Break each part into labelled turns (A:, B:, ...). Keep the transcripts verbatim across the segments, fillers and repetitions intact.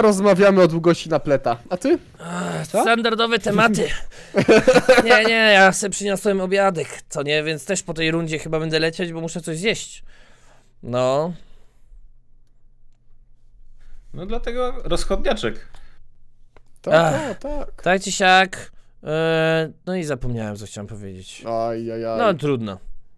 A: rozmawiamy o długości napleta. A ty?
B: Ach,
C: Co?
B: standardowe tematy. Nie, nie, ja sobie przyniosłem obiadek, co nie, więc też po tej rundzie chyba będę lecieć, bo muszę coś zjeść. No.
D: No dlatego rozchodniaczek.
A: Tak,
B: Ach.
A: tak, tak.
B: Tak czy siak. E, no i zapomniałem, co chciałem powiedzieć.
A: Aj, aj, aj.
B: No trudno.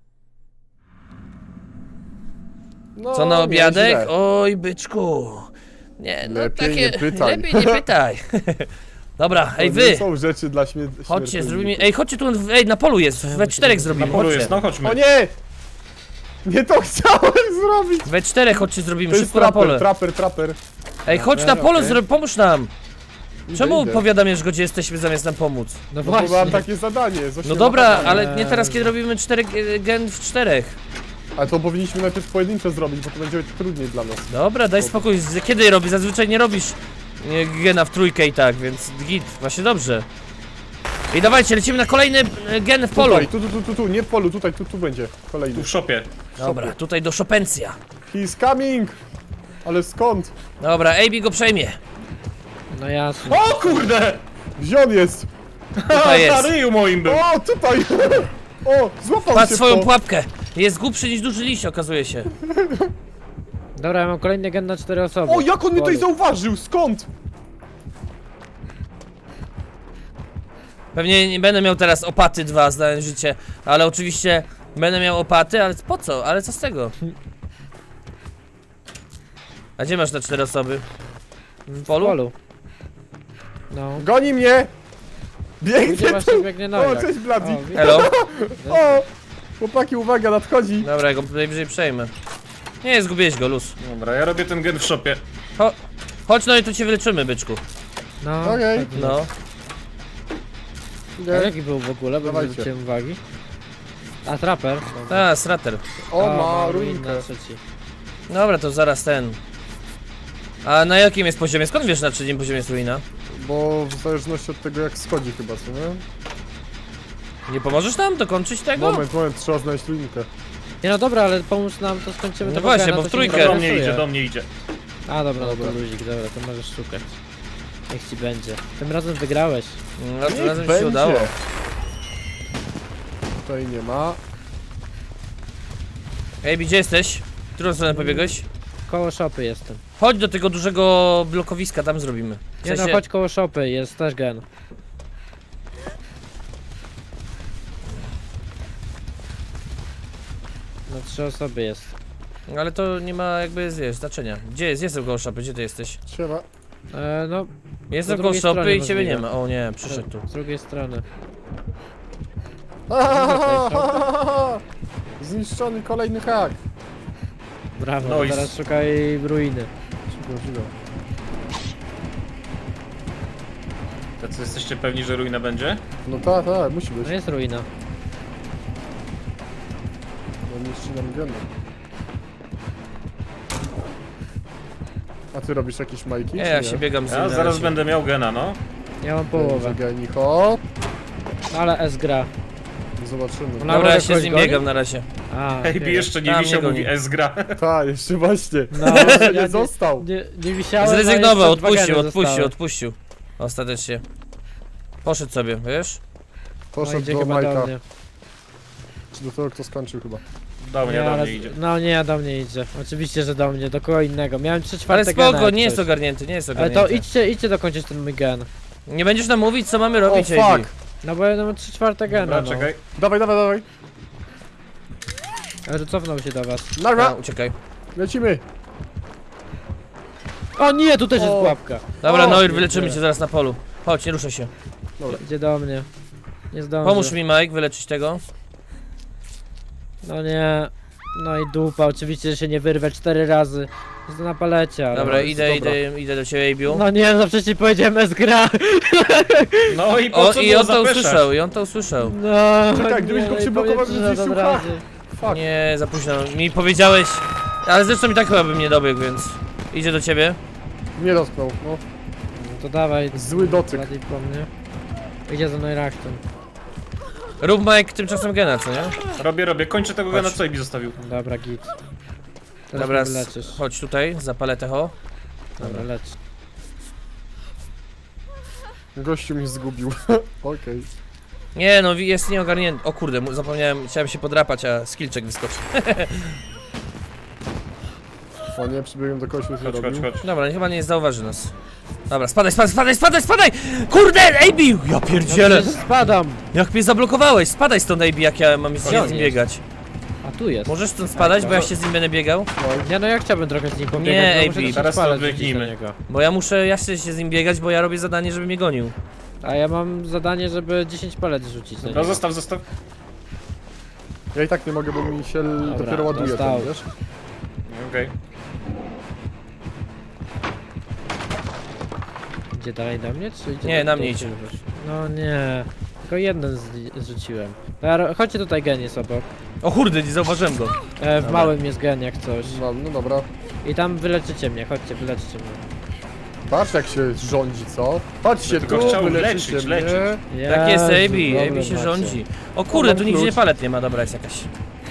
A: No,
B: Co na obiadek?
A: nieźle.
B: Oj, byczku. Nie, no
A: Lepiej
B: takie...
A: nie pytaj.
B: Lepiej nie pytaj. Dobra, ej
A: To
B: wy!
A: nie są rzeczy dla śmier
B: Chodźcie,
A: śmiertelników.
B: zrobimy... Ej, chodźcie tu, ej, na polu jest, we czterech
D: Na
B: zrobimy,
D: polu
B: chodźcie.
D: jest, no chodźmy.
A: O nie! Nie to chciałem zrobić!
B: We czterech chodźcie zrobimy,
A: To jest
B: szybko na pole.
A: traper, traper, traper.
B: Ej, chodź na
C: Dobra,
B: pole,
C: okej.
B: zro... pomóż nam! Czemu
A: idę.
B: powiadamiasz go, gdzie jesteśmy, zamiast nam pomóc?
C: No
A: No bo
C: właśnie.
A: mam takie zadanie. z
B: No
A: ośmioma
B: dobra,
A: zadaniami.
B: ale nie teraz, kiedy robimy cztery g- gen w czterech.
A: Ale to powinniśmy najpierw pojedyncze zrobić, bo to będzie trudniej dla nas.
B: Dobra, daj spokój, z- kiedy robisz? Zazwyczaj nie robisz e, gena w trójkę i tak, więc git, właśnie dobrze. I dawajcie, lecimy na kolejny e, gen w polu.
A: Tutaj, tu, tu, tu, tu, tu, nie w polu, tutaj, tu, tu będzie kolejny.
D: Tu w szopie.
B: Dobra, tutaj do Szopencja.
A: He's coming! Ale skąd?
B: Dobra, A B go przejmie.
C: No jasne.
D: O kurde!
A: Gdzie on jest?
B: Tutaj jest.
D: Na ryju moim był.
A: O, tutaj! O, złapał
B: Patrz
A: się
B: swoją
A: w to.
B: pułapkę. Jest głupszy niż duży liść, okazuje się.
C: Dobra, ja mam kolejny gen na cztery osoby.
A: O, jak on mnie tutaj
C: Polu.
A: zauważył? Skąd?
B: Pewnie nie będę miał teraz opaty dwa, znając życie. Ale oczywiście będę miał opaty, ale po co? Ale co z tego? A gdzie masz te cztery osoby?
C: W
B: polu?
C: polu. No.
A: Goni mnie!
C: Gdzie
A: Biegnie
C: właśnie
A: tu!
C: biegnie na
A: O, cześć Bladi!
B: Hello?
A: O! Chłopaki, uwaga, nadchodzi!
B: Dobra, ja go najwyżej przejmę. Nie, zgubiłeś go, luz.
D: Dobra, ja robię ten gen w szopie.
B: Cho chodź, no i tu cię wyleczymy, byczku.
C: No.
A: Okej.
C: tak.
B: No.
C: A
A: Idę.
C: jaki był w ogóle, bo nie
A: Dawajcie.
C: zwróciłem uwagi. A, traper.
B: A, strater.
A: O,
C: A,
A: ma
C: ruin
A: ruinkę.
C: na trzeci.
B: Dobra, to zaraz ten. A na jakim jest poziomie? Skąd wiesz, na trzecim poziomie jest ruina?
A: Bo w zależności od tego, jak schodzi chyba, co nie?
B: Nie pomożesz nam dokończyć tego?
A: Moment, moment, trzeba znaleźć ruinkę.
C: Nie no dobra, ale pomóż nam, to skończymy
B: No
C: tego
B: właśnie,
C: gena,
B: bo
C: to
B: w
C: się nie
B: trójkę.
D: Do mnie
C: interesuje.
D: idzie, do mnie idzie.
C: A dobra,
A: Dobra.
C: dobra, luzik, dobra, to możesz szukać. Niech ci będzie. Tym razem wygrałeś.
B: No to
A: Niech
B: razem się
A: będzie.
B: udało.
A: Tutaj nie ma.
B: Ej, gdzie jesteś? W którą stronę pobiegłeś?
C: Koło szopy jestem.
B: Chodź do tego dużego blokowiska, tam zrobimy. W
C: Nie no,
B: sensie-
C: chodź koło szopy, jest też gen. No trzy osoby jest.
B: Ale to nie ma jakby, wiesz, znaczenia. Gdzie jest? Jestem koło szopy, gdzie ty jesteś?
A: Trzeba.
C: E, no,
B: Jestem
C: Po
B: koło
C: drugiej
B: szopy
C: stronie
B: i ciebie nie
C: możliwe.
B: ma. O nie, przyszedł tu.
C: z drugiej strony.
A: Zniszczony kolejny hak.
C: Brawo,
D: No
C: no
D: i
C: teraz
D: s-
C: szukaj ruiny.
A: Szybko, szybko.
D: Tacy jesteście pewni, że ruina będzie?
A: No tak, tak, musi być.
C: No jest ruina.
A: No niszczy nam geny. A ty robisz jakieś majki?
B: Nie,
A: czy
B: ja się biegam z nim
D: Ja
B: na
D: zaraz
B: razie.
D: będę miał gena, no.
C: Ja mam
A: Połowę.
C: połowę.
A: Geni, hop.
C: Ale S gra.
A: Zobaczymy.
C: Ona-
B: Dobra, ja
C: Może
B: się z
C: kogoś
B: nim
C: goni?
B: biegam na razie.
C: A,
D: Ej,
C: nie.
D: jeszcze nie
B: Tam
D: wisiał,
B: nie
D: mówi
B: goni.
D: S gra.
A: Tak, jeszcze właśnie.
C: No,
A: Jeszcze
C: ja
A: nie został.
C: Nie, nie wisiałem,
B: Zrezygnował,
C: a jeszcze dwa
B: odpuścił,
C: geny
B: odpuścił,
C: zostały.
B: odpuścił. Ostatecznie. Poszedł sobie, wiesz?
C: No
A: Poszedł
C: idzie
A: do
C: chyba do
A: Majka.
C: mnie.
A: Czy do tego, kto skończył chyba.
D: Do mnie,
C: Nie,
D: do
C: ale-
D: mnie idzie.
C: No nie, do mnie idzie. Oczywiście, że do mnie, do kogo innego. Miałem trzy
B: Ale
C: czwarte
B: spoko,
C: gena, jak
B: nie jest
C: coś.
B: ogarnięty, nie jest
C: Ale
B: ogarnięty.
C: to idźcie, idźcie dokończyć ten mój gen.
B: Nie będziesz nam mówić, co mamy
A: O,
B: robić,
A: fuck!
B: A B.
C: No bo ja mam trzy czwarte gena,
D: Dobra,
C: no.
D: czekaj.
A: Dawaj, dawaj, dawaj.
C: Ale że cofnął się do was.
B: A,
A: Nara!
B: uciekaj.
A: Lecimy!
C: O nie, tu też jest
A: O.
C: pułapka.
B: Dobra,
A: O,
B: Noir,
C: nie,
B: wyleczymy
C: nie.
B: cię zaraz na polu. Chodź, nie ruszaj się.
C: Idzie do mnie. Nie zdążę.
B: Pomóż mi, Mike, wyleczyć tego.
C: No nie. No i dupa, oczywiście, że się nie wyrwę cztery razy. Jest na palecie, ale...
B: Dobra,
A: jest
B: idę,
A: dobra.
B: idę, idę do ciebie, A B.
C: No nie, no przecież powiedziałem S gra.
D: No i po
B: O,
D: co
B: i
D: było
B: on to
D: zapeszać?
B: usłyszał, i on to usłyszał.
C: No,
A: Czekaj, gdybyś
C: nie,
A: go
C: no i
A: przyblokował,
C: powiem,
A: bym
C: że
A: zniszczył
C: od razu.
A: Fuck.
B: Nie, za późno. Mi powiedziałeś... Ale zresztą i tak chyba bym nie dobiegł, więc... Idzie do ciebie.
A: Nie dotknął, no.
C: No to dawaj.
A: Zły dotyk.
C: Bardziej po mnie. Idzie za Neurachtem.
B: Rób, Mike, tymczasem gena, co nie?
D: Robię, robię. Kończę tego gena,
B: Chodź.
D: co Ebi zostawił.
C: Dobra, git. Teraz
B: Dobra,
C: mnie
B: s-
C: leczysz.
B: chodź tutaj, zapalę techo.
C: Dobra, lecz.
A: Gościu mnie zgubił. Okej.
B: Nie no, jest nieogarnięty. O kurde, mu- zapomniałem, chciałem się podrapać, a skillczek wyskoczył.
A: O nie, przybiegłem do kogoś, już
D: Chodź, chodź,
A: robił.
D: chodź.
B: Dobra, chyba nie zauważy nas. Dobra, spadaj, spadaj, spadaj, spadaj, spadaj! Kurde, A B! Ja pierdzielę!
C: Przecież spadam!
B: Jak mnie zablokowałeś, spadaj stąd A B, jak ja mam
C: Gdzie
B: się
C: on
B: z nim
C: jest?
B: biegać.
C: A tu jest.
B: Możesz stąd spadać, bo ja się z nim będę biegał?
C: Nie no, ja chciałbym trochę z nim pobiegać,
B: Nie,
C: bo
B: ej,
C: muszę
B: Bi,
C: też
D: teraz to
C: odpalać
D: odbiegnijmy.
C: do niego.
B: Bo ja muszę, ja chcę się z nim biegać, bo ja robię zadanie, żeby mnie gonił.
C: A ja mam zadanie, żeby dziesięć palet rzucić na
D: No
C: niego.
D: zostaw, zostaw.
A: Ja i tak nie mogę, bo mi się l-
C: Dobra,
A: dopiero ładuje
C: dostał.
A: ten, wiesz?
D: Okej.
C: Idzie dalej na mnie, czy idzie
B: Nie,
C: do-
B: na
C: do
B: mnie
C: ciebie?
B: idzie.
C: No nie, tylko jeden z- zrzuciłem. Dobra, chodźcie tutaj, gen jest obok.
B: O kurde, nie zauważyłem go.
C: E, w
B: Dobra.
C: małym jest gen jak coś.
A: No, no dobra.
C: I tam wyleczycie mnie, chodźcie, wyleczycie mnie.
A: Patrz jak się rządzi, co? Patrzcie,
D: Tylko
A: tu
D: chciał
A: wyleczycie
D: leczyć,
A: mnie.
D: leczyć.
B: Tak jest, A
C: Jezu,
B: B, A
C: problem
B: B się
C: macie.
B: rządzi. O kurde,
A: mam
B: tu nigdzie
A: klucz.
B: palet nie ma, dobra, jest jakaś.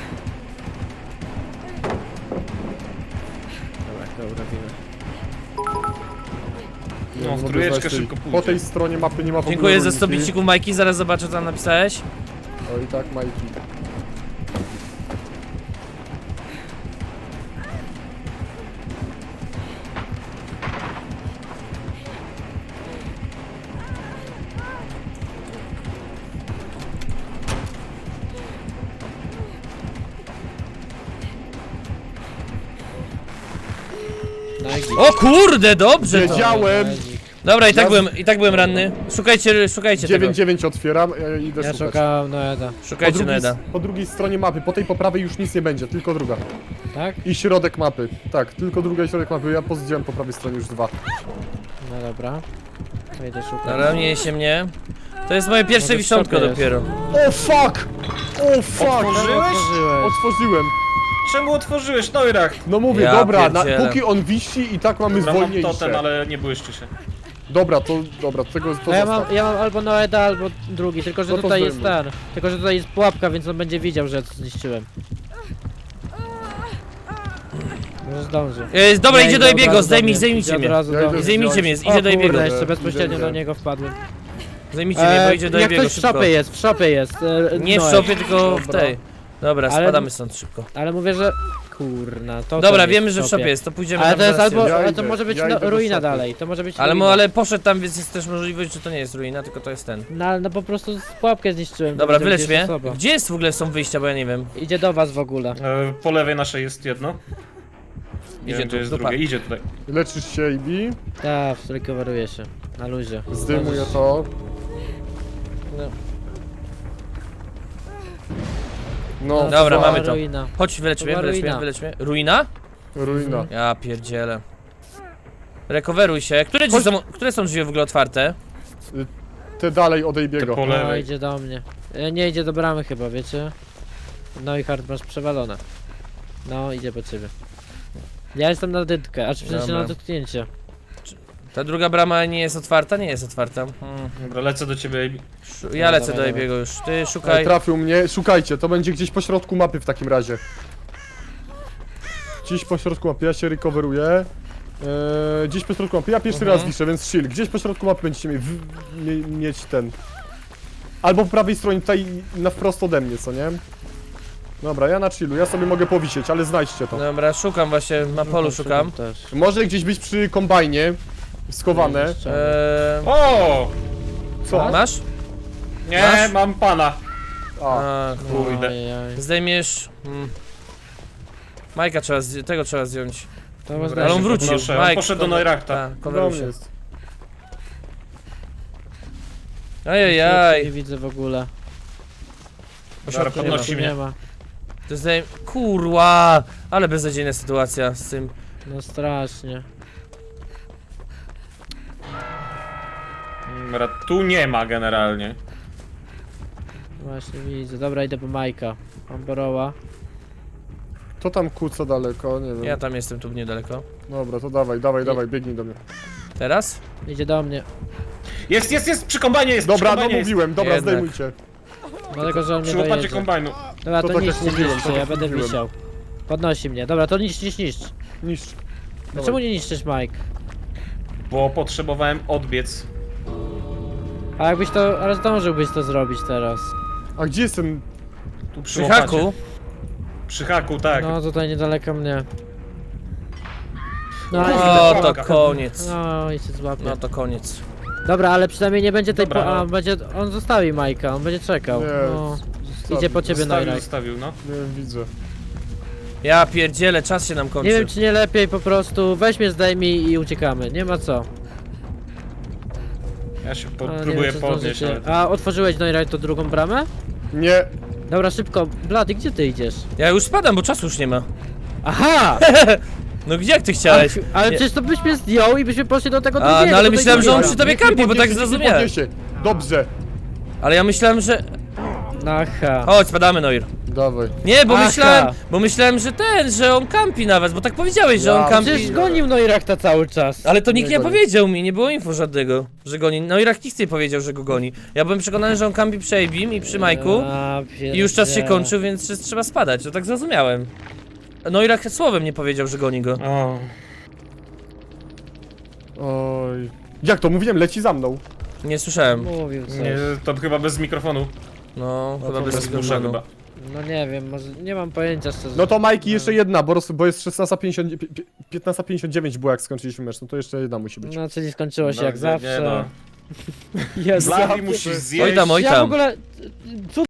C: Dobra, to robimy.
A: Nie
D: No, w
A: mogę
D: trójeczkę
A: znaleźć tej-
D: szybko
A: Po
D: pójdzie.
A: tej stronie mapy nie ma w ogóle
B: Dziękuję za
A: rolniki.
B: sto bicików, Majki, zaraz zobaczę, co tam napisałeś.
A: O i tak, Majki.
C: No i git.
B: O kurde, dobrze to.
A: Wiedziałem!
B: Dobra, i tak
A: Ja-
B: byłem, i tak byłem ranny. Szukajcie, szukajcie tego.
A: dziewięć dziewięć otwieram, ja idę
C: Ja
A: szukać.
C: szukałem Noeda.
A: Po
B: Szukajcie
A: drugiej,
B: Neda.
A: po drugiej stronie mapy, po tej po prawej już nic nie będzie, tylko druga.
C: Tak?
A: I środek mapy. Tak, tylko druga i środek mapy. Ja pozdziałem po prawej stronie już dwa.
C: No dobra. To idę szukać.
B: Dobra, nie się mnie. To jest moje pierwsze
C: Może w
B: wiszątko
C: szopie jest.
B: dopiero.
A: O fuck! O fuck!
D: Otworzyłeś?
C: Otworzyłeś.
A: Otworzyłem.
D: Czemu otworzyłeś Neurach?
A: No mówię,
B: Ja
A: dobra, na,
B: pierdzielę.
A: póki on wisi i tak mamy
D: Dobra, mam
A: zwolniejsze.
D: totem, ale nie błyszczy się.
A: Dobra, to dobra, tego to
C: No ja mam,
A: zostaw.
C: ja mam albo Noeda, albo drugi, tylko że
A: No to
C: tutaj jest
A: zdejmuj.
C: ten. Tylko że tutaj jest pułapka, więc on będzie widział, że ja to zniszczyłem. Może zdąży.
B: E, dobra,
C: Nie,
B: idzie do
C: od
B: Ebiego,
C: razu do
B: zdejmij,
C: mnie,
B: zdejmijcie
C: idzie od
B: mnie.
C: razu
A: Ja
C: do
A: idę
C: mnie.
B: Zdejmijcie mnie,
C: O
B: idzie do Ebiego.
C: kurde, jeszcze
A: Idę,
C: bezpośrednio
A: idę.
C: do niego wpadłem.
B: Zdejmijcie mnie, bo
C: E,
B: idzie do
C: jak
B: Ebiego
C: ktoś w
B: szybko.
C: szopie jest, w szopie jest. E,
B: Nie w
C: Noe.
B: szopie, tylko w
A: Dobra.
B: tej. Dobra,
C: Ale-
B: spadamy stąd szybko.
C: Ale mówię, że... Kurna, to
B: Dobra,
C: jest
B: wiemy, że w szopie jest, to pójdziemy
C: Ale
B: tam
C: to jest
B: zaraz.
C: albo,
A: Ja
C: ale to
A: idę,
C: może być
A: ja
C: no,
A: idę do
C: ruina
A: szopy.
C: dalej, to może być
B: Ale, mu,
C: ruina.
B: ale poszedł tam, więc jest też możliwość, że to nie jest ruina, tylko to jest ten.
C: No, ale no po prostu pułapkę zniszczyłem.
B: Dobra,
C: to
B: wylecz
C: będzie
B: mnie.
C: osoba.
B: Gdzie jest w ogóle są wyjścia, bo ja nie wiem.
C: Idzie do was w ogóle.
D: E, po lewej naszej jest jedno. Nie
B: Idzie
D: wiem,
B: tu,
D: gdzie jest
B: dupa.
D: drugie, idzie tutaj.
A: Leczysz się, Ibi.
C: Tak, recoveruje się. Na luzie.
A: Zdejmuję to.
B: No.
A: No,
B: Dobra,
A: fuck.
B: mamy to.
C: Ruina.
B: Chodź, wylecz
C: To
B: mnie,
C: była
B: wylecz mnie,
C: ruina.
B: wylecz mnie. Ruina?
A: Ruina.
B: Ja pierdzielę. Recoveruj się. Które, drzwi są, które są drzwi w ogóle otwarte?
A: Te dalej od
D: Te
A: Ejbiego.
D: po
C: No,
D: lewej.
C: idzie do mnie. E, Nie idzie do bramy chyba, wiecie? No i hard masz przewalone. No, idzie po ciebie. Ja jestem na dytkę, aż w sensie
B: Dobra.
C: na dotknięcie.
B: Ta druga brama nie jest otwarta? Nie jest otwarta. Hmm.
D: Dobra, lecę do ciebie, Amy.
B: Szu- Ja lecę
C: dawaj,
B: do
C: dawaj.
B: Ebiego już. Ty
A: Ale
B: szukaj.
A: trafił mnie. Szukajcie, to będzie gdzieś po środku mapy w takim razie. Gdzieś po środku mapy, ja się recoveruję. Eee, gdzieś po środku mapy, ja pierwszy
B: Mhm.
A: raz wiszę, więc chill. Gdzieś po środku mapy będziecie mieć, w, mie, mieć ten. Albo po prawej stronie, tutaj na wprost ode mnie, co nie? Dobra, ja na chillu, ja sobie mogę powisieć, ale znajdźcie to.
B: Dobra, szukam właśnie, na polu szukam.
C: Też.
A: Może gdzieś być przy kombajnie, schowane.
B: Eee,
D: O!
A: Co?
B: masz?
D: Nie,
B: Masz?
D: mam pana.
A: A,
B: A,
D: Kurde.
C: Ojej.
B: zdejmiesz. Hmm. Majka trzeba, zdj- tego trzeba zdjąć.
C: To was
D: Dobra,
B: Ale on
D: się
B: wrócił.
D: podnoszę, on
B: Mike,
D: poszedł do
B: cover-
D: Neurachta.
B: Tak,
A: do
B: coveruj
A: mnie
B: się.
A: jest.
C: Nie
B: Ajajaj.
C: widzę w ogóle.
B: Po
D: Dobra,
B: środku nie ma.
D: podnosi
C: Tu
D: mnie.
C: nie ma.
B: To zdejm... Kurwa! Ale beznadziejna sytuacja z tym.
C: No strasznie.
D: Dobra, tu nie ma generalnie.
C: Właśnie widzę. Dobra, idę po Majka. Mam Boroła.
A: To tam kuca daleko, nie wiem.
B: Ja tam jestem tu niedaleko.
A: Dobra, to dawaj, dawaj, dawaj, biegnij do mnie.
B: Teraz?
C: Idzie do mnie.
D: Jest, jest, jest! Przy kombajnie jest!
A: Dobra,
D: przy
A: no
D: kombajnie jest.
A: mówiłem, dobra,
B: Jednak.
A: zdejmujcie.
C: Dlatego, że on mnie
D: Przy łopacie
C: dojedzie.
D: kombajnu.
C: Dobra,
A: To
C: to
A: tak
C: niszcz,
A: jak
C: nie
A: mówiłem,
C: niszczcie,
A: to
C: ja
A: tak
C: będę
A: mówiłem.
C: wisiał. Podnosi mnie. Dobra, to niszcz, niszcz, niszcz.
A: Niszcz.
C: No czemu nie niszczysz, Mike?
D: Bo potrzebowałem odbiec.
C: A jakbyś to, ale zdążyłbyś to zrobić teraz.
A: A gdzie jestem?
D: Tu przy
B: Przy
D: łopacie.
B: haku.
D: Przy haku, tak.
C: No tutaj niedaleko mnie. No,
D: Kurde.
C: ale...
B: O, to koniec.
C: No i się złapie.
B: No to koniec.
C: Dobra, ale przynajmniej nie będzie tej
D: Dobra,
C: po... A,
D: no.
C: będzie... On zostawi Majka, on będzie czekał.
A: Nie,
C: No.
A: zostawił.
C: Idzie po ciebie
D: Zostawił,
C: Neurach.
D: zostawił, no.
A: Nie widzę.
B: Ja pierdzielę, czas się nam kończy.
C: Nie wiem czy nie lepiej po prostu weź mnie zdejmij i uciekamy, nie ma co.
D: Ja się po,
C: A, nie
D: próbuję
C: wiem, czy
D: podnieść,
C: zdążycie.
D: ale...
C: A otworzyłeś Neurach tą drugą bramę?
A: Nie.
C: Dobra, szybko. Blady, gdzie ty idziesz?
B: Ja już spadam, bo czasu już nie ma.
C: Aha!
B: No gdzie jak ty chciałeś?
C: Ale, ale
B: Nie.
C: przecież to byś mnie zdjął i byśmy poszli do tego
B: A,
C: drugiego.
B: no ale
C: do tej
B: myślałem, że on
C: drugiej
B: przy tobie
A: Nikt nie
B: kampi, bo tak
A: podniesie, nikt nie
B: zrozumiałem.
A: podniesie. Dobrze.
B: Ale ja myślałem, że...
C: bramy. Aha.
B: Chodź, spadamy, Noir.
A: Dawaj.
B: Nie, bo
C: Aha.
B: myślałem, bo myślałem, że ten, że on kampi nawet, bo tak powiedziałeś, że
A: Ja,
B: on kampi.
C: Przecież gonił Noirakta cały czas.
B: Ale to nikt
A: Nie
B: nie
A: goni.
B: powiedział mi, nie było info żadnego, że goni. Noirak nic nie powiedział, że go goni. Ja byłem przekonany, że on kampi przy Abim i przy Majku
C: Ja
B: i już czas się
C: pierdzielę.
B: kończył, więc że trzeba spadać, to tak zrozumiałem. Noirak słowem nie powiedział, że goni go.
D: O,
A: Oj. Jak to? Mówiłem, leci za mną.
B: Nie słyszałem.
C: Mówił coś.
D: nie, to chyba bez mikrofonu.
B: No, chyba
A: to
B: bez
D: Bez dusza
B: mikrofonu.
D: chyba.
C: No nie wiem, może nie mam pojęcia szczerze.
A: No to Majki jeszcze jedna, bo, roz, bo jest szesnasta pięćdziesiąt, pi- pi- piętnasta pięćdziesiąt dziewięć było jak skończyliśmy mecz, no to jeszcze jedna musi być.
C: No czyli skończyło się
D: No,
C: jak
D: nie,
C: zawsze.
D: Nie, no.
C: Jezu.
D: Blady musisz zjeść.
B: Oj tam, oj
C: Ja w
B: tam.
C: ogóle... Co